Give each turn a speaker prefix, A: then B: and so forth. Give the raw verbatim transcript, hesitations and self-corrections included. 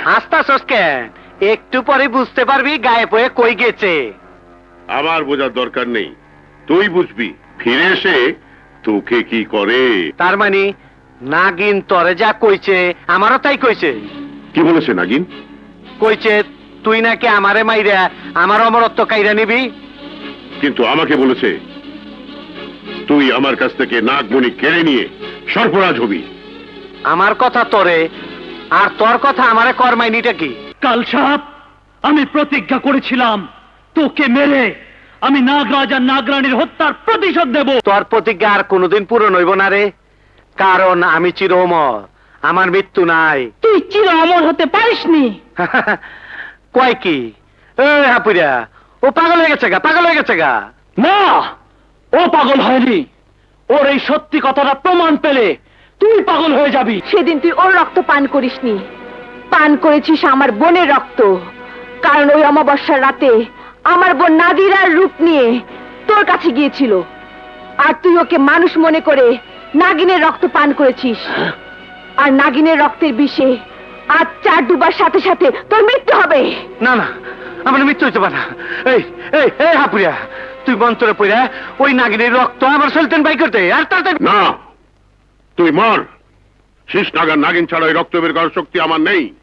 A: হাসতাছস কেন? একটু পরে বুঝতে পারবি গায়েব হয়ে কই গেছে।
B: আমার বোঝার দরকার নেই, তুই বুঝবি ফিরে এসে তোকে কি করে।
A: তার মানে নাগিন তরে যা কইছে আমারও তাই কইছে।
B: কি বলেছে নাগিন?
A: কইছে তুই নাকি আমারে মাইরা আমার অমরত্ব কাইরা নিবি।
B: কিন্তু আমাকে বলেছে তুই আমার কাছ থেকে নাগমণি কেড়ে নিয়ে সর্পরাজ হবি।
A: আমার কথা তোরে আর তোর কথা আমারে কর্মাইনিটা কি?
C: কাল সাপ, আমি প্রতিজ্ঞা করেছিলাম তোকে মেরে আমি নাগরাজ আর নাগরানীর হত্যার প্রতিশোধ দেব।
A: তোর প্রতিজ্ঞা আর কোনোদিন পূরণ হইব না রে, কারণ আমি চির অমর, আমার মৃত্যু নাই।
D: তুই চির অমর হতে পারিসনি।
A: কয় কি? এ হাপুরা, ও পাগল হয়ে গেছে গা, পাগল হয়ে গেছে গা।
C: না, ও পাগল হয়নি। ওর এই সত্যি কথাটা প্রমাণ পেলে তুই পাগল হয়ে যাবি।
D: সেদিন তুই ওর রক্ত পান করিসনি, পান করেছিস আমার বোনের রক্ত। কারণ ওই অমাবস্যার রাতে আমার বোন নাদিরার রূপ নিয়ে তোর কাছে গিয়েছিল, আর তুই ওকে মানুষ মনে করে নাগিনের রক্ত পান করেছিস। আর নাগিনের রক্তের বিষে আজ চার ডুবার সাথে সাথে তোর মৃত্যু হবে।
A: না না, আমার মৃত্যু হইতে পারে না। এই এই এই হাপুরা, তুই মন্ত্রে পড়া ওই নাগিনের রক্ত আমার সুলতান বাই করতে আর তাড়াতাড়ি।
B: না, তুই মর। শেষ নাগার নাগিন ছাড়া ওই রক্ত বের করার শক্তি আমার নেই।